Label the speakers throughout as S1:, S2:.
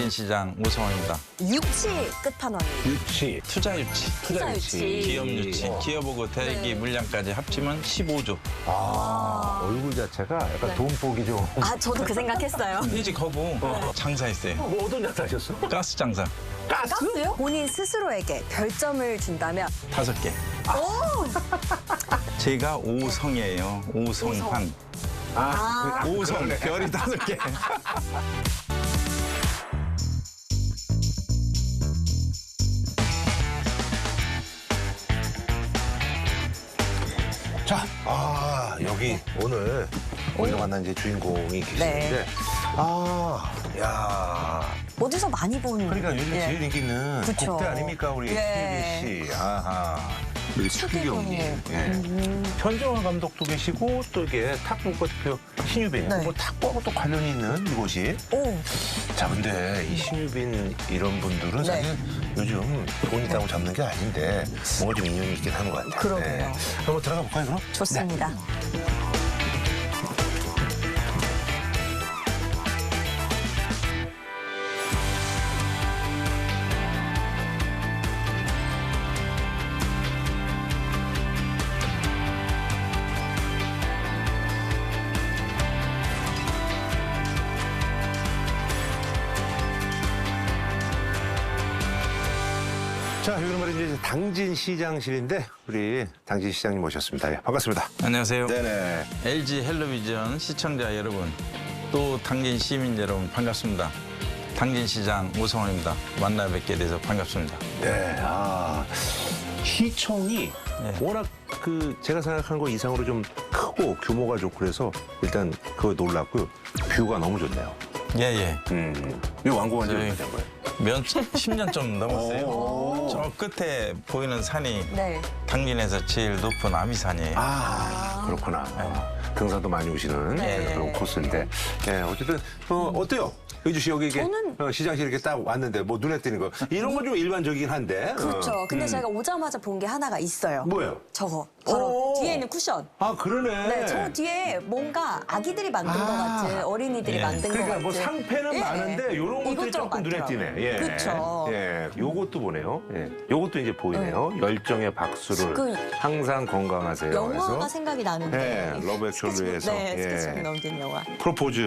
S1: 당진시장 오성원입니다.
S2: 유치 끝판왕이.
S3: 유치.
S1: 투자 유치,
S2: 투자 유치.
S1: 기업 유치, 기업하고 대기 물량까지 합치면 15조.
S3: 얼굴 자체가 약간 돈복이 좀.
S2: 아, 저도 그 생각했어요.
S1: 퇴직하고 장사했어요.
S3: 뭐 어떤 장사 하셨어?
S1: 가스 장사
S3: 가스?
S2: 가스요? 본인 스스로에게 별점을 준다면
S1: 5개.
S2: 오!
S1: 제가 오성이에요. 오성환.
S3: 아,
S1: 오성 별이 5개.
S3: 자, 여기 오늘 우리가 만난 이제 주인공이 계시는데,
S2: 네. 어디서 많이 본.
S3: 그러니까 요즘
S2: 예.
S3: 제일 인기 있는
S2: 그쵸.
S3: 국대 아닙니까, 우리
S2: 예.
S3: 신유빈 씨. 아하. 우리 추기경님. 예. 현정화 감독도 계시고 또 이게 탁구 대표 신유빈.
S2: 네.
S3: 뭐 탁구하고 또 관련이 있는 이곳이.
S2: 오.
S3: 자, 근데 이 신유빈 이런 분들은
S2: 네.
S3: 사실 요즘 돈 있다고 잡는 게 아닌데 뭔가 좀 인연이 있긴 하는 것 같아요.
S2: 그러게요.
S3: 한번 들어가 볼까요, 그럼?
S2: 좋습니다.
S3: 자, 여기는 말이죠. 이제 당진시장실인데 우리 당진시장님 모셨습니다. 예, 반갑습니다.
S1: 안녕하세요.
S3: 네네.
S1: LG 헬로비전 시청자 여러분, 또 당진 시민 여러분 반갑습니다. 당진시장 오성원입니다. 만나 뵙게 돼서 반갑습니다.
S3: 네, 시청이
S1: 네.
S3: 워낙 제가 생각한 거 이상으로 좀 크고 규모가 좋고 그래서 일단 그거 놀랐고요. 뷰가 너무 좋네요.
S1: 예예.
S3: 이 완공한 지
S1: 저희-
S3: 얼마 된 거예요?
S1: 10년 좀 넘었어요.
S3: 오.
S1: 저 끝에 보이는 산이
S2: 네.
S1: 당진에서 제일 높은 아미산이에요.
S3: 그렇구나. 등산도 많이 오시는
S2: 네.
S3: 그런 코스인데. 예, 어쨌든, 어때요? 의주 씨 여기 이게
S2: 저는-
S3: 시장실 이렇게 딱 왔는데 뭐 눈에 띄는 거. 이런 건 좀 일반적이긴 한데.
S2: 그렇죠. 근데 제가 오자마자 본 게 하나가 있어요.
S3: 뭐예요?
S2: 저거. 바로
S3: 오.
S2: 뒤에 있는 쿠션.
S3: 그러네.
S2: 네, 저 뒤에 뭔가 아기들이 만든 것 같은, 어린이들이
S1: 예.
S2: 만든 것
S3: 그러니까
S2: 같은.
S3: 뭐 상패는
S2: 예.
S3: 많은데 이런 것들이
S2: 이것저것
S3: 조금 눈에 띄네.
S2: 많더라고요.
S3: 예.
S2: 그렇죠.
S3: 예. 요것도 보네요. 예. 요것도 이제 보이네요. 열정의 박수를
S2: 그
S3: 항상 건강하세요.
S2: 영화가
S3: 그래서
S2: 생각이 나는데.
S3: 예, 러브 액츄얼리에서
S2: 네,
S3: 예.
S2: 스케치북 넘긴 영화.
S3: 프로포즈에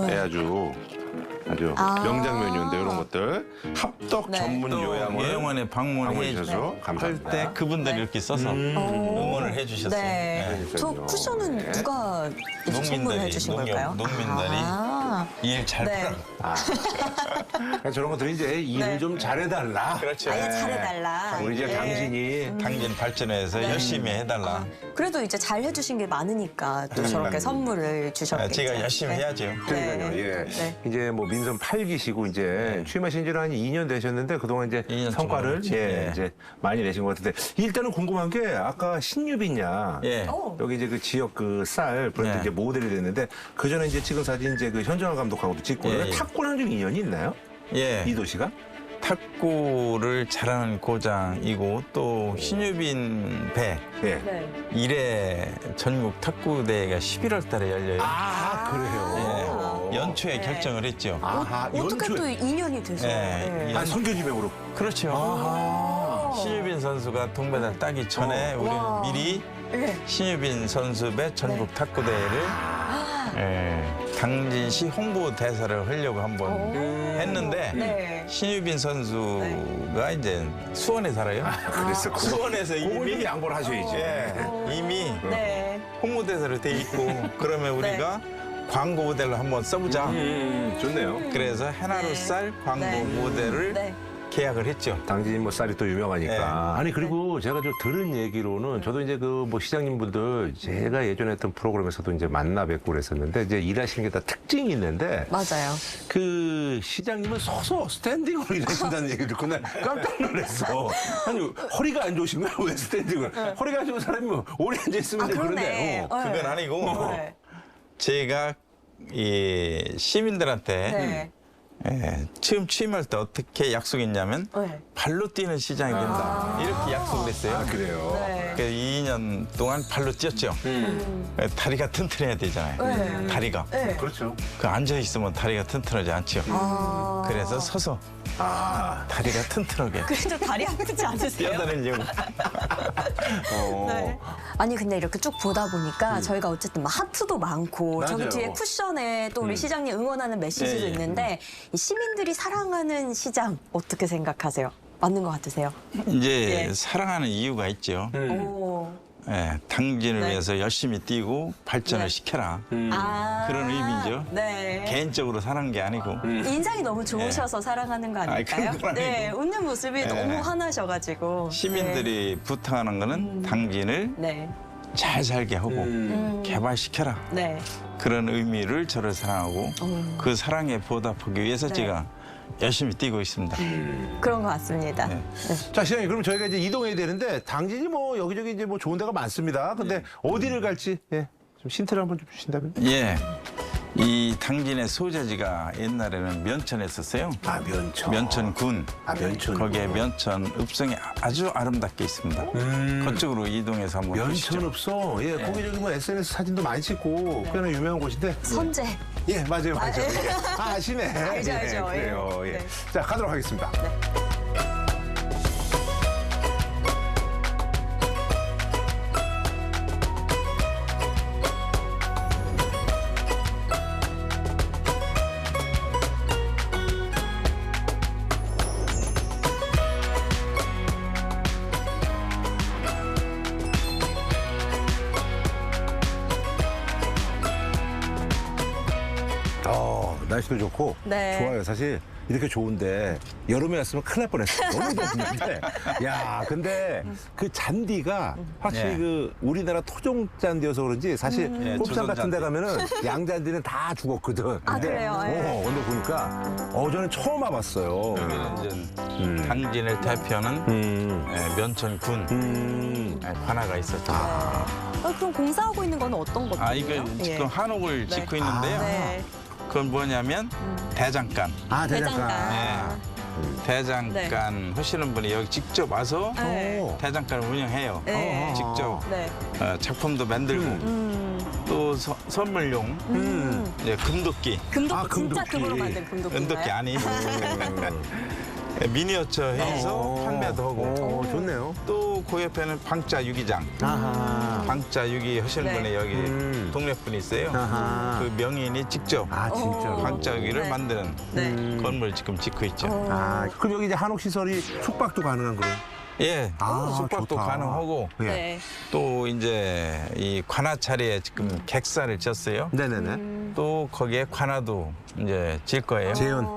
S3: 아주 명장면이었는데 이런 것들 합덕
S2: 네.
S3: 전문
S1: 또
S3: 요양을
S1: 예영원에 방문해
S3: 방문해주셔서
S1: 할
S3: 감사합니다.
S1: 때 그분들이 이렇게 써서 응원을 해주셨어요.
S2: 네. 저
S3: 그러니까요.
S2: 쿠션은
S1: 네.
S2: 누가 이렇게 선물해 주신 걸까요?
S1: 농민들이
S2: 아,
S1: 일 잘
S2: 네.
S1: 풀어.
S3: 그러니까 저런 것들이 이제 일을
S2: 네.
S3: 좀 잘해달라.
S1: 그렇죠.
S2: 아예 잘해달라.
S3: 우리 이제
S2: 네.
S3: 당진이
S1: 당진 발전해서 열심히 해달라.
S2: 그래도 이제 잘 해주신 게 많으니까 또 저렇게 선물을 주셨겠죠.
S1: 제가 열심히
S2: 네.
S1: 해야죠.
S3: 그러니까요.
S2: 네.
S3: 예.
S2: 네.
S3: 이제 뭐 민선 8기시고 이제 취임하신 지는 한 2년 되셨는데 그동안 이제
S1: 2년
S3: 성과를
S1: 정도 됐지. 예.
S3: 이제 많이 내신 것 같은데 일단은 궁금한 게 아까 신유빈야
S1: 예.
S3: 여기 이제 그 지역 쌀 브랜드
S1: 예.
S3: 이제 모델이 됐는데 그 전에 이제 찍은 사진 이제 그 현정화 감독하고도 찍고
S1: 예, 예.
S3: 탁구랑 좀 인연이 있나요?
S1: 예.
S3: 이 도시가?
S1: 탁구를 잘하는 고장이고 또 신유빈 배
S3: 예.
S2: 네.
S1: 1회 전국 탁구대회가 11월 달에 열려요.
S3: 그래요.
S1: 예. 연초에
S2: 네.
S1: 결정을 했죠.
S2: 어떻게 또 인연이 돼서.
S1: 예.
S2: 네.
S3: 선교지명으로.
S1: 그렇죠. 신유빈 선수가 동메달 따기 전에 우리는
S2: 와.
S1: 미리
S2: 네.
S1: 신유빈 선수 배 전국 탁구대회를 당진시 홍보대사를 하려고 한번 했는데
S2: 네.
S1: 신유빈 선수가 이제 수원에 살아요.
S3: 그래서
S1: 수원에서
S3: 그걸 좀
S1: 이미
S3: 양보를 하셔야지.
S1: 이미
S2: 네.
S1: 홍보대사로 돼 있고 그러면 우리가 광고 모델로 한번 써보자.
S3: 좋네요.
S1: 그래서 해나루쌀 광고
S2: 네.
S1: 모델을
S2: 네.
S1: 계약을 했죠.
S3: 당진 뭐 쌀이 또 유명하니까.
S1: 네.
S3: 아니 그리고 제가 좀 들은 얘기로는 저도 이제 그 뭐 시장님분들 제가 예전에 했던 프로그램에서도 이제 만나 뵙고 그랬었는데 이제 일하시는 게 다 특징이 있는데
S2: 맞아요.
S3: 그 시장님은 서서 스탠딩으로 일하신다는 얘기를 듣고 난 깜짝 놀랐어. 아니 허리가 안 좋으신 거야 왜 스탠딩을? 허리가 안 좋은 사람이 뭐 오래 앉아 있으면 이제 그런데.
S1: 그건 아니고
S2: 네.
S1: 제가 이 시민들한테
S2: 네.
S1: 처음 취임할 때 어떻게 약속했냐면
S2: 네.
S1: 발로 뛰는 시장이 된다. 이렇게 약속을 했어요.
S3: 아, 그래요?
S2: 네.
S1: 그래서 2년 동안 발로 뛰었죠. 다리가 튼튼해야 되잖아요.
S2: 네.
S1: 다리가.
S2: 네.
S3: 그렇죠.
S1: 그 앉아 있으면 다리가 튼튼하지 않죠.
S2: 아.
S1: 그래서 서서 다리가 튼튼하게
S2: 그래도 다리 아프지 않으세요?
S1: 뛰어다니려고.
S2: 네. 아니 근데 이렇게 쭉 보다 보니까 저희가 어쨌든 막 하트도 많고 저기
S3: 맞아요.
S2: 뒤에 쿠션에 또 우리 시장님 응원하는 메시지도
S1: 예, 예.
S2: 있는데 이 시민들이 사랑하는 시장 어떻게 생각하세요? 맞는 것 같으세요?
S1: 이제
S2: 예.
S1: 사랑하는 이유가 있죠.
S2: 오.
S1: 당진을
S2: 네.
S1: 위해서 열심히 뛰고 발전을
S2: 네.
S1: 시켜라.
S2: 아.
S1: 그런 의미죠.
S2: 네.
S1: 개인적으로 사는 게 아니고.
S2: 인상이 너무 좋으셔서 사랑하는 거 아닐까요?
S1: 그건 아니고.
S2: 네, 웃는 모습이
S1: 네.
S2: 너무 환하셔가지고.
S1: 시민들이 부탁하는 거는 당진을
S2: 네.
S1: 잘 살게 하고 개발시켜라.
S2: 네.
S1: 그런 의미를 저를 사랑하고 그 사랑에 보답하기 위해서
S2: 네.
S1: 제가 열심히 뛰고 있습니다.
S2: 그런 것 같습니다.
S1: 네.
S2: 네.
S3: 자, 시장님, 그럼 저희가 이제 이동해야 되는데, 당진이 뭐 여기저기 이제 뭐 좋은 데가 많습니다. 근데 어디를 갈지, 좀 힌트를 한번 좀 주신다면?
S1: 예. 이 당진의 소재지가 옛날에는 면천했었어요.
S3: 아, 면천.
S1: 면천군.
S3: 아, 면천.
S1: 거기에 면천 읍성이 아주 아름답게 있습니다. 그쪽으로 이동해서 한번
S3: 면천
S1: 보시죠.
S3: 읍성. 예, 거기 저기 뭐 SNS 사진도 많이 찍고, 꽤나 유명한 곳인데.
S2: 선제.
S3: 예, 맞아요, 맞아요. 예. 아시네.
S2: 알죠,
S3: 예,
S2: 알죠.
S3: 그래요,
S2: 예.
S3: 예.
S2: 네.
S3: 자, 가도록 하겠습니다. 날씨도 좋고
S2: 네.
S3: 좋아요. 사실 이렇게 좋은데 여름에 왔으면 큰일 날 뻔했어요. 너무 더웠는데. 야, 근데 그 잔디가 확실히
S1: 예.
S3: 그 우리나라 토종 잔디여서 그런지 사실
S1: 예,
S3: 곱창
S1: 조선
S3: 같은 데
S1: 잔디.
S3: 가면은 양잔디는 다 죽었거든.
S2: 아, 그래요? 예.
S3: 근데 보니까 저는 처음 와봤어요.
S1: 여기는 이제 당진을 대표하는 면천군 관아가 있었죠.
S2: 그럼 공사하고 있는 건 어떤 것들이에요?
S1: 이거 지금 한옥을 짓고 있는데요.
S2: 네.
S1: 그건 뭐냐면 대장간.
S3: 아,
S2: 대장간.
S1: 대장간 하시는 분이 여기 직접 와서
S2: 네.
S1: 대장간을 운영해요.
S2: 네.
S1: 직접
S2: 네.
S1: 작품도 만들고 또 선물용 이제 금도끼,
S2: 금도끼,
S3: 아,
S2: 진짜
S3: 금도끼.
S2: 금으로 만든 금도끼인가요?
S1: 은도끼 아니 미니어처 해서 판매도 하고
S3: 좋네요.
S1: 또 그 옆에는 방자 유기장.
S3: 아하.
S1: 방자 유기 하시는
S2: 네.
S1: 분이 여기 동네 분이 있어요.
S3: 아하.
S1: 그 명인이 직접
S3: 아, 진짜로.
S1: 방자 유기를
S2: 네.
S1: 만드는
S2: 네.
S1: 건물 지금 짓고 있죠.
S3: 아, 그럼 여기 이제 한옥 시설이 숙박도 가능한 그런?
S1: 예,
S3: 아,
S1: 숙박도
S3: 좋다.
S1: 가능하고
S3: 예.
S2: 네.
S1: 또 이제 이 관아차례에 지금 객사를 졌어요.
S3: 네네네.
S1: 또 거기에 관아도 이제 질 거예요.
S3: 재현.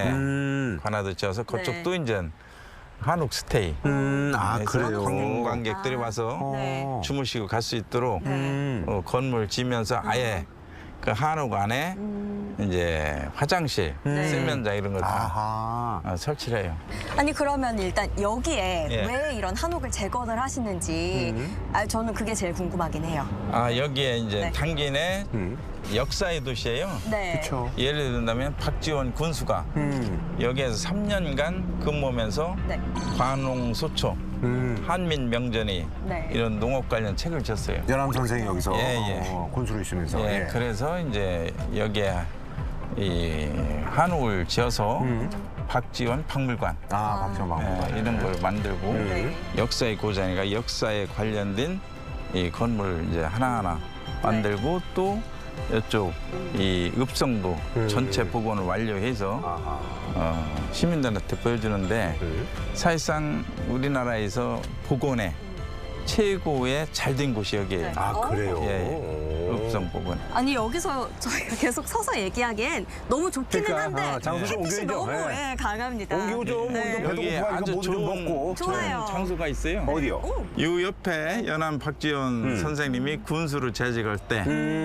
S1: 예, 관아도 지어서 그쪽도 이제 한옥 스테이.
S3: 아,
S1: 해서
S3: 그래요.
S1: 관광객들이 와서
S2: 네.
S1: 주무시고 갈 수 있도록
S3: 음.
S1: 건물 지면서 아예 그 한옥 안에 이제 화장실,
S2: 네.
S1: 세면장 이런 거 다
S3: 아하.
S1: 설치를 해요.
S2: 아니 그러면 일단 여기에
S1: 예.
S2: 왜 이런 한옥을 재건을 하시는지 저는 그게 제일 궁금하긴 해요.
S1: 여기에 이제
S2: 네.
S1: 당진의 역사의 도시예요.
S2: 네.
S3: 그렇죠.
S1: 예를 든다면 박지원 군수가 여기에서 3년간 근무하면서
S2: 네.
S1: 관홍 소초, 한민 명전이
S2: 네.
S1: 이런 농업 관련 책을 쳤어요.
S3: 연암 선생이 여기서
S1: 예.
S3: 군수로 있으면서.
S1: 예, 그래서 이제 여기에 이 한옥을 지어서 박지원 박물관
S3: 박정박.
S1: 이런 걸 만들고
S2: 네.
S1: 역사의 고장이니까 역사에 관련된 이 건물 이제 하나하나 만들고 또 이쪽 이 읍성도 전체 복원을 완료해서 시민들한테 보여주는데 사실상 우리나라에서 복원에 최고의 잘된 곳이 여기예요.
S3: 아, 그래요?
S1: 예, 읍성 복원.
S2: 아니 여기서 저희가 계속 서서 얘기하기엔 너무 좋기는
S3: 그러니까,
S2: 한데
S3: 장소 좀
S2: 햇빛이
S3: 옮겨야죠.
S2: 너무
S3: 예.
S2: 강합니다.
S3: 옮기고 좀
S2: 네.
S3: 배도
S1: 여기에
S3: 고파니까
S1: 아주
S3: 뭐좀
S1: 좋은
S3: 먹고.
S2: 좋아요.
S1: 장소가 있어요.
S3: 어디요?
S2: 오.
S1: 이 옆에 연암 박지원 선생님이 군수로 재직할 때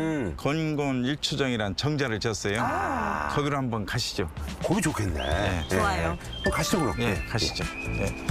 S1: 건곤 일추정이란 정자를 졌어요. 거기로 한번 가시죠.
S3: 거기 좋겠네.
S2: 좋아요.
S3: 그럼 가시죠, 그럼.
S1: 예, 가시죠. 예.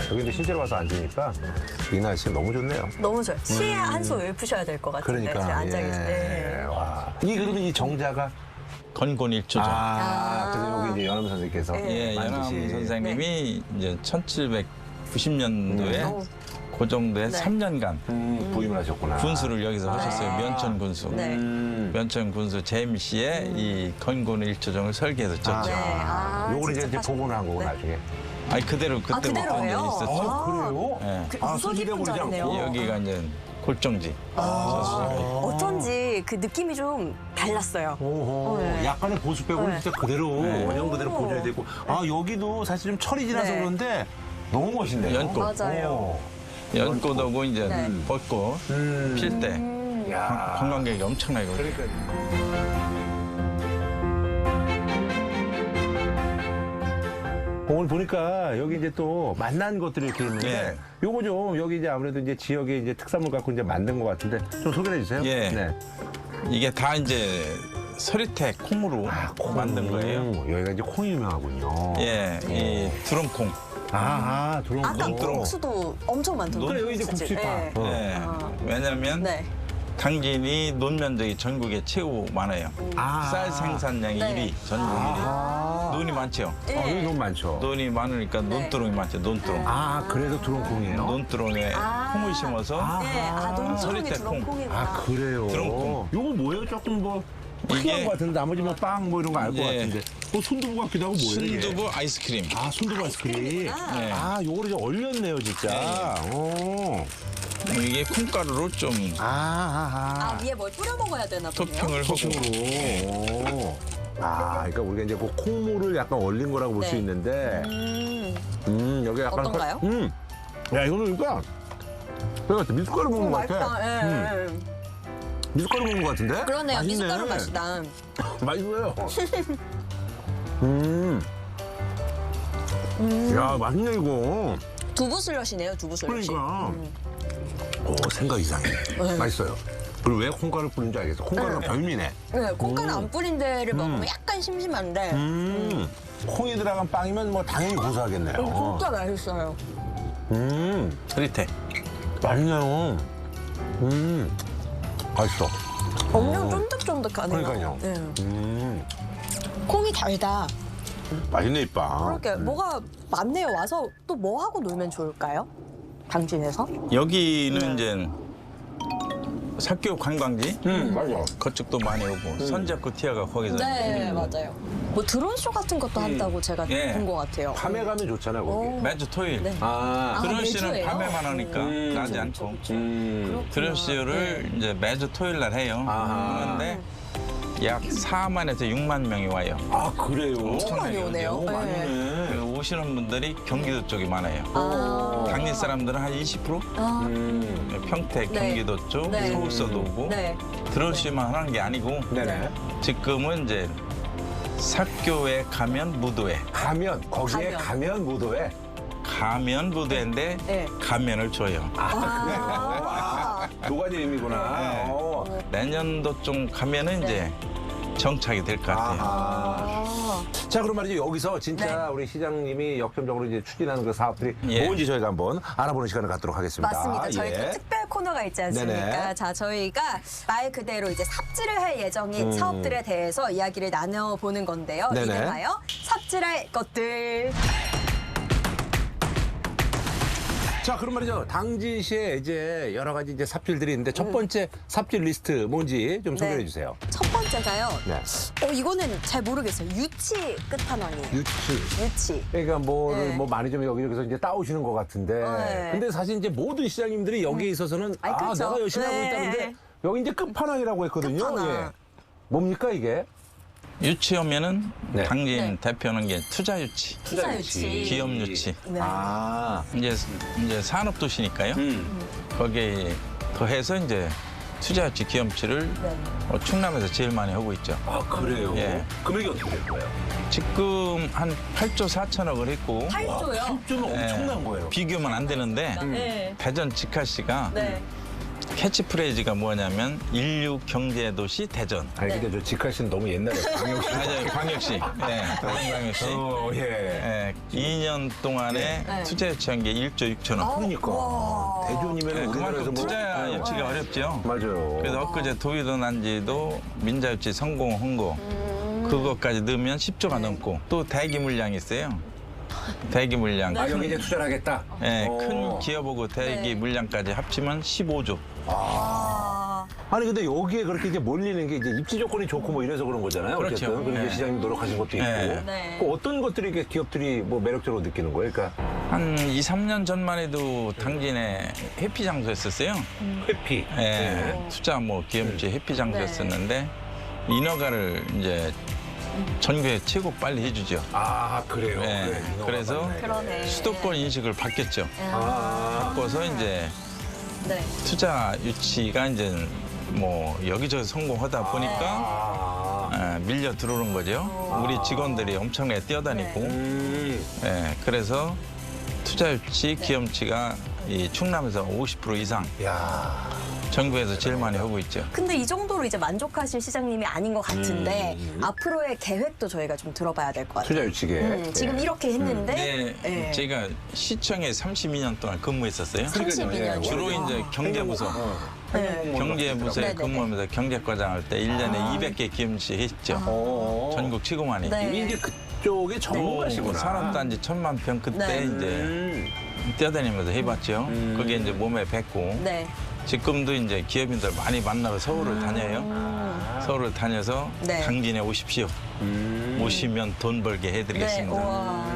S3: 여기 근데 실제로 와서 앉으니까 이 날씨 너무 좋네요.
S2: 너무 좋아요. 치에 한숨을 푸셔야 될 것 같은데.
S3: 그러니까.
S2: 앉아 계실 때.
S3: 와. 그러면 이 정자가
S1: 건곤일초정.
S3: 그래서 여기 이제 연암 선생님께서
S1: 예, 연암
S3: 만드신.
S1: 선생님이 이제 1790년도에 그 정도에
S2: 네.
S1: 3년간
S3: 부임을 하셨구나.
S1: 군수를 여기서 하셨어요.
S2: 아.
S1: 면천 군수.
S2: 네.
S1: 면천 군수 재임 씨의 이 건곤일초정을 설계해서 졌죠.
S2: 네.
S3: 요걸 이제
S2: 직접
S3: 복원을 한 거고
S2: 네.
S3: 나중에.
S1: 아니 그대로 그때 못
S2: 그대로예요?
S1: 본 적이 있었죠.
S3: 그래요?
S1: 예.
S2: 그
S3: 아,
S2: 무속
S3: 손질해
S2: 깊은
S3: 버리지
S2: 자리네요.
S3: 않고.
S1: 여기가 이제 골정지.
S2: 어쩐지 그 느낌이 좀 달랐어요.
S3: 오호.
S2: 네.
S3: 약간의 보수 빼고는
S2: 네.
S3: 진짜 그대로 원형 그대로
S2: 오.
S3: 보존이 되고. 여기도 사실 좀 철이 지나서
S2: 네.
S3: 그런데 너무 멋있네요.
S1: 연꽃.
S2: 맞아요.
S1: 연꽃하고 이제
S2: 네.
S1: 벚꽃 필 때
S3: 야.
S1: 관광객이 엄청나게 오고.
S3: 그러니까. 오늘 보니까 여기 이제 또 만난 것들이 이렇게 있는데
S1: 예.
S3: 요거 좀 여기 이제 아무래도 이제 지역의 이제 특산물 갖고 이제 만든 것 같은데 좀 소개해 주세요.
S1: 예.
S3: 네.
S1: 이게 다 이제 서리태 콩으로 만든 거예요.
S3: 여기가 이제 콩이 유명하군요.
S1: 예, 이 두렁콩.
S3: 들어온
S2: 아까
S3: 거.
S2: 국수도 엄청 많던데.
S3: 그래, 여기 이제 국수파.
S2: 네.
S1: 예. 왜냐면
S2: 네.
S1: 당진이 논면적이 전국에 최고 많아요. 쌀 생산량이
S2: 네.
S1: 1위, 전국 1위. 논이 많죠.
S3: 여기 너무 많죠.
S1: 논이 많으니까 논두렁이 많죠. 논두렁.
S3: 그래서 두렁콩이에요?
S1: 논두렁에 콩을 심어서
S2: 네. 논두렁이
S1: 서리태 콩.
S2: 두렁콩이구나.
S3: 그래요?
S1: 두렁콩.
S3: 요거 뭐예요? 조금 뭐 특이한
S1: 이게-
S3: 것 같은데 나머지 뭐 빵 뭐 이런 거 알 것
S1: 예.
S3: 같은데 순두부 같기도 하고 뭐예요? 이게?
S1: 순두부 아이스크림.
S3: 순두부 아이스크림.
S1: 네.
S3: 요거를 이제 얼렸네요, 진짜. 오.
S1: 이게 콩가루로 좀
S2: 위에 뭘 뿌려 먹어야 되나 보네요.
S1: 토핑을 하고.
S3: 소금으로. 그러니까 우리가 이제 그 콩물을 약간 얼린 거라고 볼 수
S2: 네.
S3: 있는데, 여기 약간.
S2: 어떤가요?
S3: 야, 이거는 그러니까, 내가 미숫가루 먹는 것 같아.
S2: 맛있다. 예.
S3: 미숫가루 먹는 것 같은데?
S2: 그러네요.
S3: 맛있네.
S2: 미숫가루 맛이다.
S3: 맛있어요. 야, 맛있네, 이거.
S2: 두부 슬러시네요. 두부 슬러시.
S3: 그러니까. 생각 이상해. 맛있어요. 그리고 왜 콩가루 뿌린 줄 알겠어. 콩가루가 별미네.
S2: 네, 콩가루 안 뿌린 데를 먹으면 약간 심심한데
S3: 콩이 들어간 빵이면 뭐 당연히 고소하겠네요.
S2: 진짜 맛있어요.
S1: 서리태.
S3: 맛있네요. 맛있어.
S2: 엄청 쫀득쫀득하네요.
S3: 그러니까요.
S2: 네. 콩이 달다.
S3: 맛있네, 이 빵.
S2: 그렇게 뭐가 많네요. 와서 또 뭐 하고 놀면 좋을까요? 당진에서?
S1: 여기는 이제 사교 관광지
S3: 맞아.
S1: 그쪽도 많이 오고 선제코 티아가 거기서
S2: 네, 맞아요. 뭐 드론쇼 같은 것도 한다고 제가
S1: 예.
S2: 본 것 같아요.
S3: 밤에 가면 좋잖아, 거기.
S1: 매주 토요일.
S2: 네.
S1: 드론 씨는
S2: 매주예요?
S1: 밤에만 하니까 낮에 않고 드론 씨를 이제 매주 토요일 날 해요. 그런데 약 4만에서 6만 명이 와요.
S3: 그래요?
S2: 엄청 많이 오네요. 네.
S1: 그리고 오시는 분들이 경기도 쪽이 많아요. 당진 사람들은 한 20%? 평택,
S2: 네.
S1: 경기도 쪽,
S2: 네.
S1: 서울서도 오고
S2: 네.
S1: 드론 씨만 하는 게 아니고
S3: 네네.
S1: 지금은 이제 사교에 가면 무도회.
S3: 거기에 가면 무도회.
S1: 가면 무도회인데
S2: 네.
S1: 가면을 줘요.
S3: 두 가지 의미구나.
S1: 네. 내년도쯤 가면은 이제 정착이 될 것 같아요.
S3: 자, 그럼 말이죠. 여기서 진짜 우리 시장님이 역점적으로 이제 추진하는 그 사업들이
S1: 예.
S3: 뭔지 저희가 한번 알아보는 시간을 갖도록 하겠습니다.
S2: 맞습니다. 저희
S3: 예.
S2: 또 특별 코너가 있지 않습니까?
S3: 네네.
S2: 자, 저희가 말 그대로 이제 삽질을 할 예정인 사업들에 대해서 이야기를 나눠보는 건데요.
S3: 네네.
S2: 이름하여 삽질할 것들.
S3: 자, 그럼 말이죠. 당진시에 이제 여러 가지 이제 삽질들이 있는데 첫 번째 삽질 리스트 뭔지 좀 소개해 주세요.
S2: 첫 번째가요.
S3: 네.
S2: 이거는 잘 모르겠어요. 유치 끝판왕이에요. 유치.
S3: 그러니까 뭐를
S2: 네.
S3: 뭐 많이 좀 여기저기서 이제 따오시는 것 같은데.
S2: 네.
S3: 근데 사실 이제 모든 시장님들이 여기에 있어서는
S2: 아니, 그렇죠.
S3: 내가 열심히 하고
S2: 네.
S3: 있다는데 여기 이제 끝판왕이라고 했거든요.
S2: 끝판왕.
S3: 예. 뭡니까 이게?
S1: 유치하면은
S3: 네.
S1: 당진
S2: 네.
S1: 대표는 게 투자 유치,
S2: 투자 유치.
S1: 기업 유치.
S2: 네.
S1: 이제 산업 도시니까요. 거기에 더해서 이제 투자 유치, 기업 유치를
S2: 네.
S1: 충남에서 제일 많이 하고 있죠.
S3: 그래요?
S1: 예.
S3: 금액이 어떻게 될 거예요?
S1: 지금 한 8조 4천억을 했고
S2: 8조요?
S3: 좀 엄청난 거예요.
S1: 비교면 안 되는데
S2: 네.
S1: 대전 직화시가
S2: 네.
S1: 캐치프레이즈가 뭐냐면 인류 경제도시 대전.
S3: 아니 근데 저 직하신 너무 옛날에 광역시.
S1: 맞아요, 광역시. 네, 광역시.
S3: 예.
S1: 2년 동안에
S2: 네.
S1: 투자 유치한 게 1조 6천 원.
S3: 그러니까
S2: 와.
S3: 대전이면
S1: 네,
S3: 우리나라에서
S1: 그만큼
S3: 뭐
S1: 투자 유치가 어렵죠.
S3: 맞아요.
S1: 그래서 엊그제 도의도 난지도 민자 유치 성공한 거 그것까지 넣으면 10조가 넘고 또 대기 물량이 있어요. 대기 물량.
S3: 아 여기 이제 투자를 하겠다.
S1: 네,
S3: 어.
S1: 큰 기업하고 대기
S2: 네.
S1: 물량까지 합치면 15조.
S2: 아,
S3: 아니 근데 여기에 그렇게 이제 몰리는 게 이제 입지 조건이 좋고 뭐 이래서 그런 거잖아요.
S1: 그렇죠.
S3: 어쨌든 그리고 이제
S1: 네.
S3: 시장님 노력하신 것도 있고.
S1: 네.
S2: 네.
S3: 그 어떤 것들이 이렇게 기업들이 뭐 매력적으로 느끼는 거예요? 그러니까
S1: 한 2, 3년 전만 해도 당진에 회피 장소였었어요.
S3: 회피.
S1: 예, 투자 뭐 기업지 회피 장소였었는데 인허가를 이제 전국에 최고 빨리 해주죠.
S3: 아 그래요.
S1: 네.
S3: 그래, 인허가
S1: 그래서
S3: 받네.
S2: 그러네.
S1: 수도권 인식을 바뀌었죠.
S3: 아.
S1: 바꿔서 이제
S2: 네.
S1: 투자 유치가 이제 뭐 여기저기 성공하다 보니까
S3: 아.
S1: 밀려 들어오는 거죠. 우리 직원들이 엄청나게 뛰어다니고, 그래서 투자 유치, 기업치가 이 충남에서 50% 이상
S3: 야.
S1: 전국에서 제일 많이 하고 있죠.
S2: 근데 이 정도로 이제 만족하실 시장님이 아닌 것 같은데 앞으로의 계획도 저희가 좀 들어봐야 될 것 같아요.
S3: 투자 유치계.
S2: 지금 이렇게 했는데
S1: 네,
S2: 네.
S1: 제가 시청에 32년 동안 근무했었어요.
S2: 32년.
S1: 주로 이제 경제부서.
S2: 네.
S1: 경제부서에
S2: 네네네.
S1: 근무하면서 경제과장 할 때 1년에 200개 기업치 했죠.
S3: 어.
S1: 전국 최고 많이.
S2: 네.
S3: 이미 이제 그쪽에 전문가시구나.
S1: 산업단지 1000만 평 그때
S2: 네.
S1: 이제 뛰어다니면서 해봤죠. 그게 이제 몸에 뱄고.
S2: 네.
S1: 지금도 이제 기업인들 많이 만나러 서울을 다녀요. 서울을 다녀서
S2: 네.
S1: 당진에 오십시오. 오시면 돈 벌게
S2: 네.
S1: 해드리겠습니다.
S2: 우와.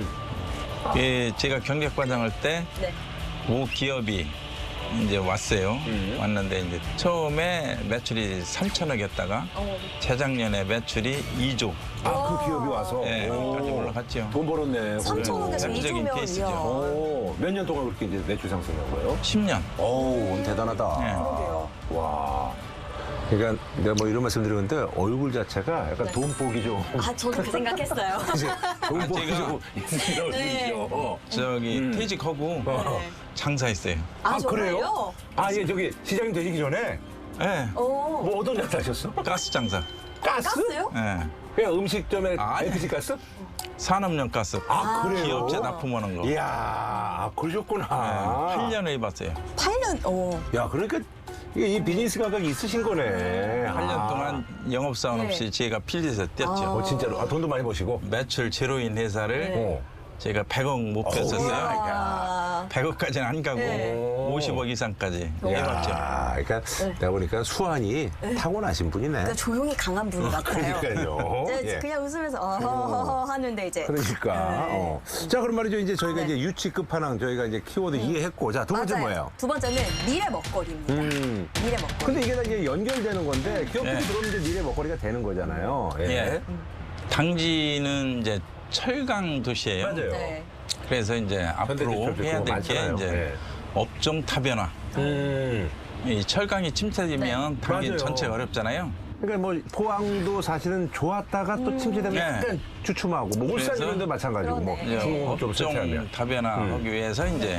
S1: 예, 제가 경제과장 할 때
S2: 네.
S1: 모 기업이 이제 왔어요. 왔는데 이제 처음에 매출이 3천억이었다가 재작년에 매출이 2조.
S3: 아, 그 기업이 와서.
S1: 예, 까지 올라갔죠.
S3: 돈 벌었네.
S2: 3천억에서
S1: 세계적인
S2: 2조면
S1: 케이스죠.
S3: 몇 년 동안 그렇게 이제 매출 상승한 거예요?
S1: 10년.
S3: 어우, 대단하다.
S1: 네.
S2: 그러게요.
S3: 와. 그러니까 내가 뭐 이런 말씀 드리는데 얼굴 자체가 약간 돈 보기 좀.
S2: 아, 저도 그 생각했어요.
S3: 돈 보기
S1: 제가-
S3: 좀 있으신
S2: 네.
S3: 얼굴이죠.
S1: 저기 퇴직하고 장사했어요.
S2: 아, 정말요?
S3: 아, 예, 저기 시장님 되시기 전에
S1: 예,
S2: 오.
S3: 뭐 어떤 장사 하셨어?
S1: 가스 장사.
S3: 가스?
S2: 가스요?
S1: 예,
S3: 그냥 음식점에
S1: 아니.
S3: LPG 가스?
S1: 산업용 가스.
S3: 아, 그래요?
S1: 기업체 납품하는 거.
S3: 이야, 아, 그러셨구나.
S1: 8년을 해봤어요.
S2: 8년. 오.
S3: 야, 그러니까 이게 이 비즈니스 감각이 있으신 거네.
S1: 8년 동안 영업사원
S2: 네.
S1: 없이 제가 필드에서 뛰었죠.
S3: 진짜로. 아, 돈도 많이 버시고.
S1: 매출 제로인 회사를
S3: 어.
S1: 제가 100억 목표였었어요.
S2: 아.
S1: 100억까지는 안 가고
S2: 네.
S1: 50억 이상까지 해봤죠.
S3: 야, 그러니까 내가 보니까 수완이 타고나신 분이네.
S2: 그러니까 조용히 강한 분 같아요.
S3: 그러니까요.
S2: 네,
S3: 예.
S2: 그냥 웃으면서 어허허허 하는데 이제.
S3: 그러니까.
S2: 네.
S3: 자, 그럼 말이죠. 이제 저희가
S2: 네.
S3: 이제 유치 끝판왕 저희가 이제 키워드 이해했고. 자, 두 번째
S2: 맞아요.
S3: 뭐예요?
S2: 두 번째는 미래 먹거리입니다. 미래 먹거리.
S3: 근데 이게 다 이제 연결되는 건데 기업들이
S1: 예.
S3: 들어오면 이제 미래 먹거리가 되는 거잖아요.
S1: 예. 당진은 이제 철강 도시예요.
S3: 맞아요.
S2: 네.
S1: 그래서 이제 앞으로
S3: 현대제철도
S1: 해야
S3: 그거
S1: 될 게
S3: 많잖아요.
S1: 이제
S3: 예.
S1: 업종 타변화. 이 철강이 침체되면
S2: 네.
S1: 당진
S3: 맞아요.
S1: 전체가 어렵잖아요.
S3: 그러니까 뭐 포항도 사실은 좋았다가 또 침체되면
S1: 네.
S3: 약간 주춤하고 뭐 울산
S1: 그래서
S3: 이런 데 마찬가지고 뭐
S2: 그러네.
S1: 이제
S3: 중국 좀
S1: 업종
S3: 설치하면
S1: 다변화하기 위해서 이제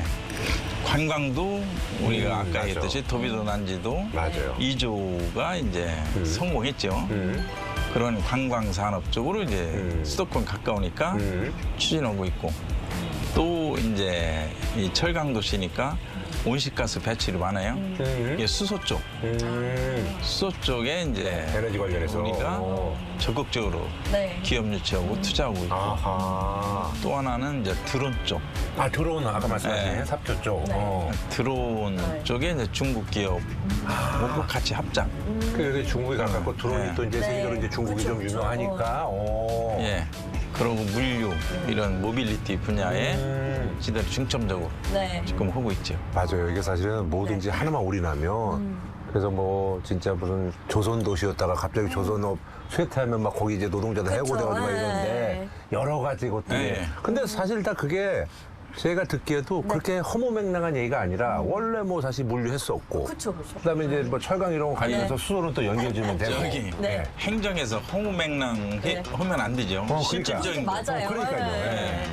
S1: 관광도 우리가 아까
S3: 맞아.
S1: 했듯이 도비도 난지도
S3: 맞아요.
S1: 2조가 이제 성공했죠. 그런 관광 산업 쪽으로 이제 수도권 가까우니까 추진하고 있고 또 이제 이 철강 도시니까 온실가스 배출이 많아요. 이게 수소 쪽, 수소 쪽에 이제
S3: 에너지 관련해서.
S1: 우리가
S3: 어.
S1: 적극적으로
S2: 네.
S1: 기업 유치하고 투자하고 있고
S3: 아하.
S1: 또 하나는 이제 드론 쪽.
S3: 아, 들어온 아까 말씀하신
S1: 네.
S3: 삽교 쪽. 어.
S1: 드론
S2: 네.
S1: 쪽에 이제 중국 기업 하고 같이 합작.
S3: 그래서 중국에 가깝고 드론이
S1: 네.
S3: 또 이제
S2: 네.
S3: 세계적으로 이제 중국이
S2: 그쵸,
S3: 좀
S2: 그쵸.
S3: 유명하니까. 오.
S1: 예. 그리고 물류 이런 모빌리티 분야에 지들 중점적으로
S2: 네.
S1: 지금 하고 있죠.
S3: 맞아요. 이게 사실은 뭐든지 하나만 올인하면 그래서 뭐 진짜 무슨 조선 도시였다가 갑자기 조선업 쇠퇴하면 막 거기 이제 노동자들
S2: 그쵸.
S3: 해고돼가지고 막 이러는데
S2: 네.
S3: 여러 가지 것들이.
S1: 네.
S3: 근데 사실 다 그게 제가 듣기에도 그렇게 허무맹랑한 얘기가 아니라 원래 뭐 사실 물류했었고.
S2: 그쵸, 그쵸.
S3: 그다음에 이제 뭐 철강 이런 거 관련해서
S2: 네.
S3: 수소는 또 연결주면 되고.
S1: 저기
S2: 네.
S1: 행정에서 허무맹랑
S2: 네.
S1: 하면 안 되죠.
S3: 그러니까.
S1: 실질적인 거.
S2: 맞아요.
S3: 그러니까요.
S2: 네.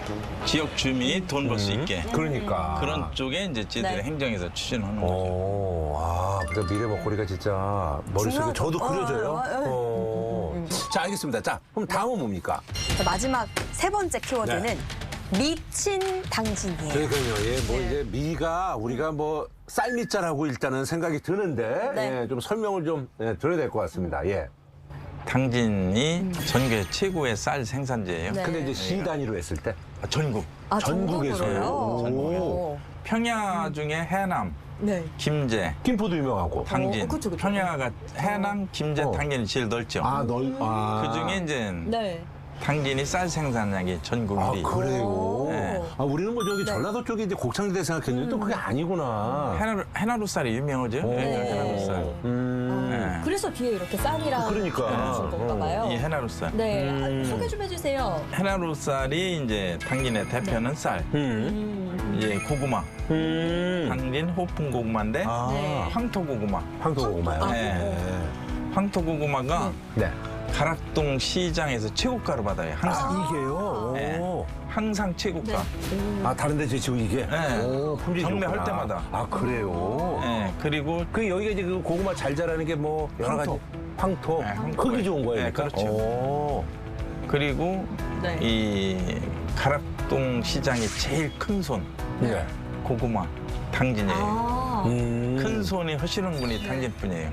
S1: 지역 주민이 돈 벌 수 있게
S3: 그러니까.
S1: 그런 쪽에 이제 저희들이
S2: 네.
S1: 행정에서 추진하는 거죠.
S3: 오, 아, 그러니까 미래 먹거리가 진짜 머릿속에
S2: 중요하죠.
S3: 저도 그려져요.
S2: 어,
S3: 자, 알겠습니다. 자, 그럼 다음은 뭡니까?
S2: 자, 마지막 세 번째 키워드는
S3: 네.
S2: 미친 당진이에요.
S3: 그러니까요. 예, 뭐
S2: 네.
S3: 이제 미가 우리가 뭐 쌀미자라고 일단은 생각이 드는데
S2: 네.
S3: 예, 좀 설명을 좀 드려야 될 것 같습니다. 예.
S1: 당진이 전국의 최고의 쌀 생산지예요.
S2: 네.
S3: 근데 이제 시 단위로 했을 때
S1: 전국.
S2: 아,
S3: 전국에서요?
S2: 전국으로요?
S3: 전국에서.
S2: 오.
S1: 평야 중에 해남,
S2: 네.
S1: 김제,
S3: 김포도 유명하고.
S1: 당진.
S2: 그쵸, 그쵸.
S1: 평야가 해남, 김제,
S3: 어.
S1: 당진이 제일 넓죠. 그 중에 이제
S2: 네.
S1: 당진이 쌀 생산량이 전국 1위.
S3: 아, 그래요?
S1: 네.
S3: 아, 우리는 뭐 저기
S2: 네.
S3: 전라도 쪽에 이제 곡창지대 생각했는데 또 그게 아니구나.
S1: 해나루 쌀이 유명하죠. 해나루 쌀. 네.
S2: 그래서 뒤에 이렇게 쌀이랑
S3: 그러니까.
S2: 준 건가 봐요.
S1: 이 해나루 쌀.
S2: 네. 아, 소개 좀 해주세요.
S1: 해나루 쌀이 이제 당진의 대표는 쌀. 이제 고구마. 당진 호풍 고구마인데
S3: 아,
S2: 네.
S1: 황토 고구마.
S3: 황토고구마요?
S1: 네. 황토 고구마가
S3: 네.
S1: 가락동 시장에서 최고가를 받아요. 항상.
S3: 이게요?
S1: 네.
S3: 오.
S1: 항상 최고가.
S3: 아, 다른데 지금 이게?
S1: 네.
S3: 오, 품질이
S1: 경매할
S3: 좋구나.
S1: 때마다.
S3: 아, 그래요?
S1: 네. 그리고
S3: 그 여기가 이제 그 고구마 잘 자라는 게 뭐 여러 가지
S1: 황토.
S3: 황토,
S1: 네, 황토.
S3: 크기 좋은 거예요.
S1: 네,
S3: 그러니까?
S1: 그렇죠.
S3: 오.
S1: 그리고
S2: 네.
S1: 이 가락동 시장의 제일 큰 손
S3: 네.
S1: 고구마 당진이에요.
S2: 아.
S1: 큰 손이 하시는 분이 당진뿐이에요.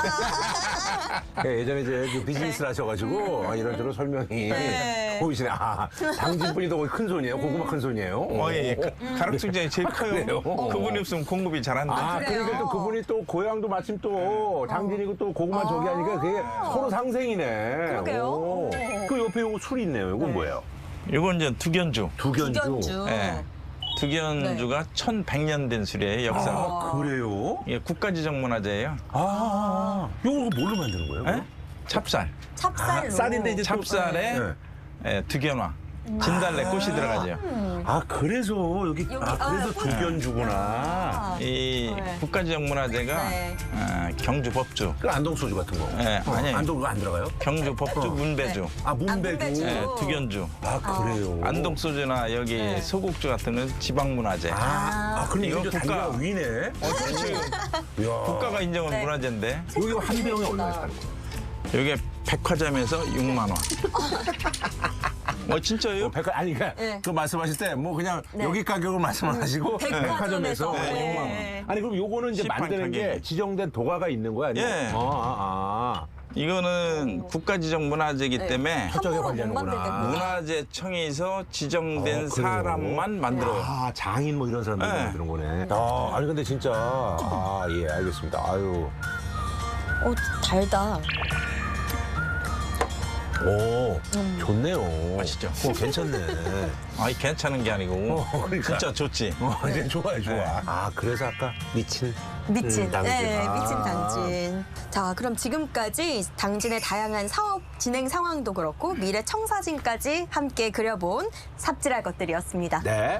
S3: 예, 예전에 이제 그 비즈니스를 하셔가지고 아, 이런저런 설명이
S2: 네.
S3: 보이시네. 아, 당진분이 더 큰 손이에요? 고구마 큰 손이에요?
S1: 예. 가락동 시장이 제일 커요.
S3: 그래요?
S1: 그분이 없으면 공급이 잘 안 돼.
S3: 아,
S2: 그래요?
S3: 그러니까 또 그분이 또 고향도 마침 또 당진이고 또 고구마 저기 하니까 그게 서로 상생이네.
S2: 그러게요.
S3: 오. 그 옆에 요거 술이 있네요. 이건 뭐예요?
S1: 이건 이제 두견주.
S3: 두견주.
S2: 두견주.
S1: 예. 두견주가 1100년 된 술이에요, 역사.
S3: 아, 그래요?
S1: 예, 국가지정문화재예요.
S3: 아, 요거 뭘로 만드는 거예요?
S1: 예? 찹쌀.
S2: 찹쌀로.
S3: 쌀인데 이제 또-
S1: 찹쌀에
S3: 네.
S1: 예, 두견화, 진달래 꽃이 들어가죠.
S3: 아, 그래서 여기,
S2: 여기,
S3: 아, 그래서
S2: 아,
S3: 두견주구나.
S1: 이
S2: 네.
S1: 국가지정문화재가
S2: 네.
S1: 경주 법주,
S3: 그 안동소주 같은 거.
S1: 예, 아니에요.
S3: 안동 그거 안 들어가요?
S1: 경주 법주 문배주,
S3: 아, 문배주.
S2: 문배주.
S1: 예, 두견주.
S3: 아, 그래요?
S1: 안동 소주나 여기
S2: 네.
S1: 소곡주 같은 건 지방문화재.
S3: 아, 그럼
S1: 이거
S3: 이거 단위가
S1: 국가.
S3: 위네?
S1: 그렇지.
S3: 이야.
S1: 국가가 인정한
S2: 네.
S1: 문화재인데
S3: 여기 한 병에 얼마에 사는 거예요?
S1: 여기 백화점에서 6만 원. 진짜요?
S3: 아니, 그러니까
S2: 네.
S3: 그 말씀하실 때 뭐 그냥
S2: 네.
S3: 여기 가격을 말씀하시고
S2: 백화점에서. 네.
S3: 6만 원. 아니, 그럼 요거는 이제
S1: 시판
S3: 만드는 게
S1: 가격이.
S3: 지정된 도가가 있는 거야? 아니면?
S1: 예.
S3: 아.
S1: 이거는 국가지정 문화재이기
S2: 네.
S1: 때문에
S3: 저쪽에
S2: 함부로 못
S3: 관리하는구나.
S2: 만들겠구나.
S1: 문화재청에서 지정된
S3: 그래요?
S1: 사람만 만들어요.
S3: 아, 장인 뭐 이런 사람들이
S1: 네.
S3: 만드는 거네. 아, 아니 근데 진짜 예, 알겠습니다. 아유.
S2: 달다.
S3: 오, 좋네요.
S1: 맛있죠?
S3: 괜찮네.
S1: 아니 괜찮은 게 아니고
S3: 그러니까.
S1: 진짜 좋지.
S3: 이제 좋아요, 좋아.
S1: 네.
S3: 아, 그래서 아까 미친.
S2: 미친.
S3: 당진.
S2: 네,
S3: 아.
S2: 미친 당진. 자, 그럼 지금까지 당진의 다양한 사업 진행 상황도 그렇고 미래 청사진까지 함께 그려본 삽질할 것들이었습니다.
S3: 네.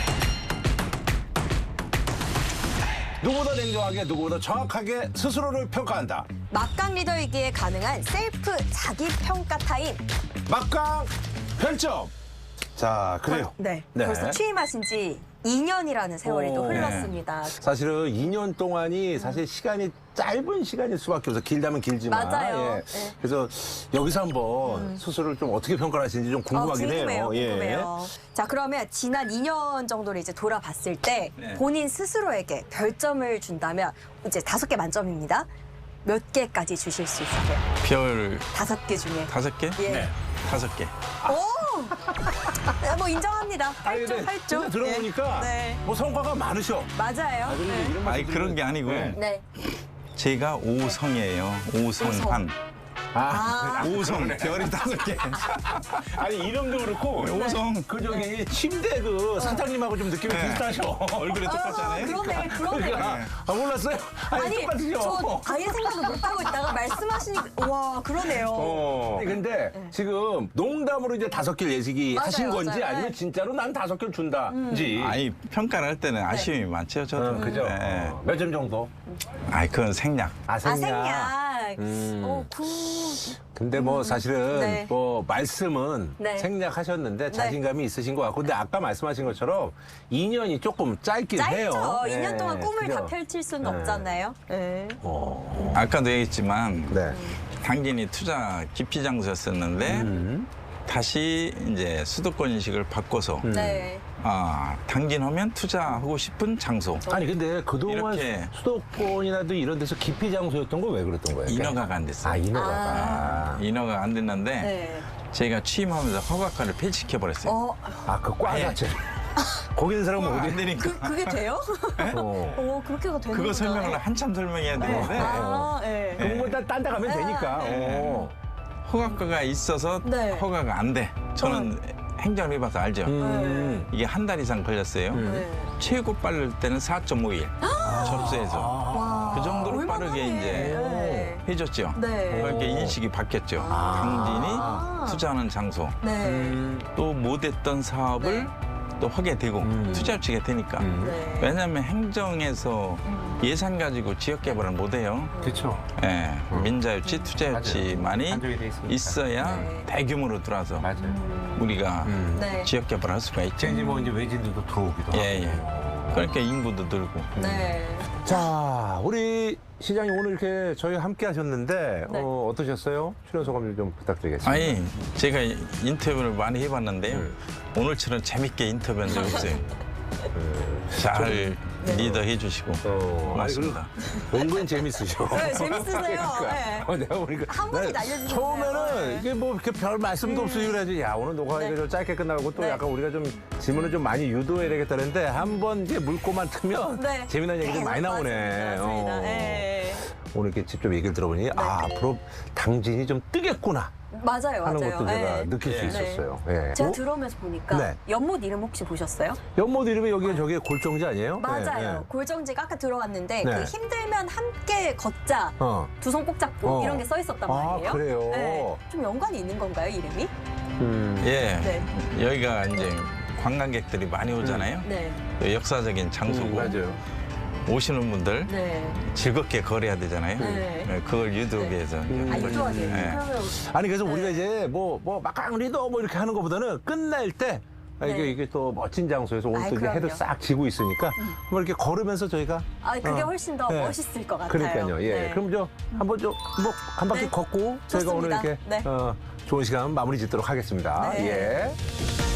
S3: 누구보다 냉정하게, 누구보다 정확하게 스스로를 평가한다.
S2: 막강 리더이기에 가능한 셀프 자기 평가 타임.
S3: 막강 별점. 자, 그래요.
S2: 네.
S3: 네.
S2: 벌써 취임하신 지 2년이라는 세월이 또
S3: 오.
S2: 흘렀습니다.
S3: 사실은 2년 동안이 사실 시간이 짧은 시간일 수밖에 없어. 길다면 길지만.
S2: 맞아요.
S3: 예.
S2: 네.
S3: 그래서 여기서 한번 스스로를 좀 어떻게 평가를 하시는지 좀 궁금하긴 해요. 예.
S2: 궁금해요. 자, 그러면 지난 2년 정도를 이제 돌아봤을 때
S1: 네.
S2: 본인 스스로에게 별점을 준다면 이제 5개 만점입니다. 몇 개까지 주실 수 있으세요?
S1: 별
S2: 5개 중에.
S1: 5개?
S2: 예.
S1: 네. 5개.
S2: 오! 네, 뭐 인정합니다.
S3: 아니,
S2: 8점,
S3: 근데
S2: 8점.
S3: 진짜 들어보니까
S2: 네.
S3: 뭐 성과가 많으셔.
S2: 맞아요.
S3: 그리고
S2: 네.
S3: 이런
S1: 아니
S3: 말씀
S1: 그런 게 아니고
S3: 네.
S2: 네.
S1: 제가 오성이에요. 오성환.
S2: 아.
S1: 오성 별이 5개.
S3: 아니 이름도 그렇고
S1: 오성.
S3: 그 저기 침대 그 사장님하고 좀 느낌이
S1: 네.
S3: 비슷하셔.
S1: 얼굴이 똑같잖아요.
S2: 그러네, 그러네.
S3: 아 몰랐어요? 아니, 똑같으셔.
S2: 저 아예 생각을 못하고 있다가 말씀하시니까, 와, 그러네요.
S3: 아니, 근데 지금 농담으로 이제 5개 예식이
S2: 맞아요,
S3: 하신 건지
S2: 맞아요.
S3: 아니면 진짜로 난 5개를 준다인지.
S1: 아니 평가를 할 때는 아쉬움이 많죠. 저도.
S3: 그죠?
S1: 네.
S3: 몇 점 정도?
S1: 아니 그건 생략.
S3: 아,
S2: 아, 생략.
S3: 근데 뭐 사실은
S2: 네.
S3: 뭐 말씀은
S2: 네.
S3: 생략하셨는데 자신감이 있으신 것 같고 근데 아까 말씀하신 것처럼 2년이 조금 짧긴 해요.
S2: 짧죠.
S3: 네.
S2: 2년 동안 꿈을
S3: 그죠?
S2: 다 펼칠 수는 없잖아요. 네.
S1: 아까도 얘기했지만
S3: 네.
S1: 당진이 투자 기피 장소였었는데 다시 이제 수도권 인식을 바꿔서
S2: 네.
S1: 당진하면 투자하고 싶은 장소.
S3: 아니 근데 그동안
S1: 이렇게.
S3: 수도권이라도 이런 데서 기피 장소였던 거 왜 그랬던 거예요?
S1: 인허가가 안 됐어요.
S3: 인허가가.
S1: 인허가 안 됐는데
S2: 네.
S1: 저희가 취임하면서 허가과를 폐지시켜 버렸어요.
S3: 그 과
S1: 아예.
S3: 자체. 거기 있는 사람은
S1: 안
S3: 어디?
S1: 되니까.
S2: 그게 돼요?
S3: 어.
S2: 그렇게가 되는
S1: 그거 설명을 한참 설명해야 되는데
S2: 네.
S3: 그럼 뭐 딴 데 가면 되니까.
S1: 허가과가 있어서
S2: 네.
S1: 허가가 안 돼. 저는 행정을 해봐서 알죠. 이게 한 달 이상 걸렸어요.
S2: 네.
S1: 최고 빠를 때는 4.5일 접수해서
S2: 와.
S1: 그 정도로
S2: 얼마나
S1: 빠르게
S2: 해.
S1: 이제
S2: 네.
S1: 해줬죠.
S2: 네.
S1: 그렇게 인식이 바뀌었죠. 당진이 투자하는 장소
S2: 네.
S1: 또 못했던 사업을
S2: 네.
S1: 또 하게 되고 투자유치가 되니까.
S2: 네.
S1: 왜냐하면 행정에서 예산 가지고 지역 개발을 못 해요.
S3: 그렇죠.
S1: 예, 민자유치, 투자유치만이
S3: 한정이 돼 있으니까.
S1: 있어야
S2: 네.
S1: 대규모로 들어와서
S3: 맞아요.
S1: 우리가
S2: 네.
S1: 지역 개발을 할 수가 있죠.
S3: 이제 뭐 이제 외진들도 들어오기도 하고.
S1: 예, 예. 그러니까 인구도 늘고.
S2: 네.
S3: 자, 우리 시장님 오늘 이렇게 저희 함께 하셨는데
S2: 네.
S3: 어떠셨어요? 출연 소감 좀 부탁드리겠습니다.
S1: 아니, 제가 인터뷰를 많이 해봤는데요. 오늘처럼 재밌게 인터뷰한 적 없어요. 잘 리더해 주시고 고맙습니다.
S3: 은근 재밌으셔.
S2: 네, 재밌으세요. 네.
S3: 내가 보니까
S2: 한 번씩
S3: 난
S2: 날려주셨네요.
S3: 처음에는
S2: 네.
S3: 이게 뭐 이렇게 별 말씀도 없으시고 그래야지 야 오늘 녹화가
S2: 네.
S3: 좀 짧게 끝나고 또
S2: 네.
S3: 약간 우리가 좀 질문을 좀 많이 유도해야 되겠다는데 한 번 이제 물고만 트면
S2: 네.
S3: 재미난 얘기 좀 많이 나오네.
S2: 맞습니다. 네.
S3: 오늘 이렇게 직접 얘기를 들어보니 앞으로 당진이 좀 뜨겠구나
S2: 맞아요,
S3: 하는
S2: 맞아요.
S3: 것도 제가
S2: 네.
S3: 느낄 수
S1: 네.
S3: 있었어요. 예.
S2: 제가 들어오면서 보니까
S3: 네.
S2: 연못 이름 혹시 보셨어요?
S3: 연못 이름이 여기 저기 골정지 아니에요?
S2: 맞아요.
S3: 예, 예.
S2: 골정지가 아까 들어왔는데
S3: 네.
S2: 그 힘들면 함께 걷자. 두 손 꼭 잡고
S3: 어.
S2: 이런 게 써 있었단
S3: 아,
S2: 말이에요.
S3: 그래요?
S2: 네. 좀 연관이 있는 건가요, 이름이?
S1: 예,
S2: 네.
S1: 여기가 이제 관광객들이 많이 오잖아요.
S2: 네.
S1: 역사적인 장소고
S3: 맞아요.
S1: 오시는 분들
S2: 네.
S1: 즐겁게 거래해야 되잖아요.
S2: 네.
S1: 네, 그걸 유도하기 위해서. 이제
S2: 유도하게.
S1: 네.
S2: 그러면
S3: 아니 그래서 우리가
S2: 네.
S3: 이제 뭐 막강 리더 뭐 이렇게 하는 것보다는 끝날 때
S2: 네.
S3: 이게 또 멋진 장소에서 오늘
S2: 아이,
S3: 또 이게 해도
S2: 그럼요.
S3: 싹 지고 있으니까 뭐 이렇게 걸으면서 저희가
S2: 그게 훨씬 더
S3: 네.
S2: 멋있을 것 같아요.
S3: 그러니까요. 예.
S2: 네.
S3: 그럼 한번 좀 뭐 한 바퀴
S2: 네.
S3: 걷고 저희가 오늘
S2: 좋습니다.
S3: 이렇게
S2: 네.
S3: 좋은 시간 마무리 짓도록 하겠습니다.
S2: 네.
S3: 예.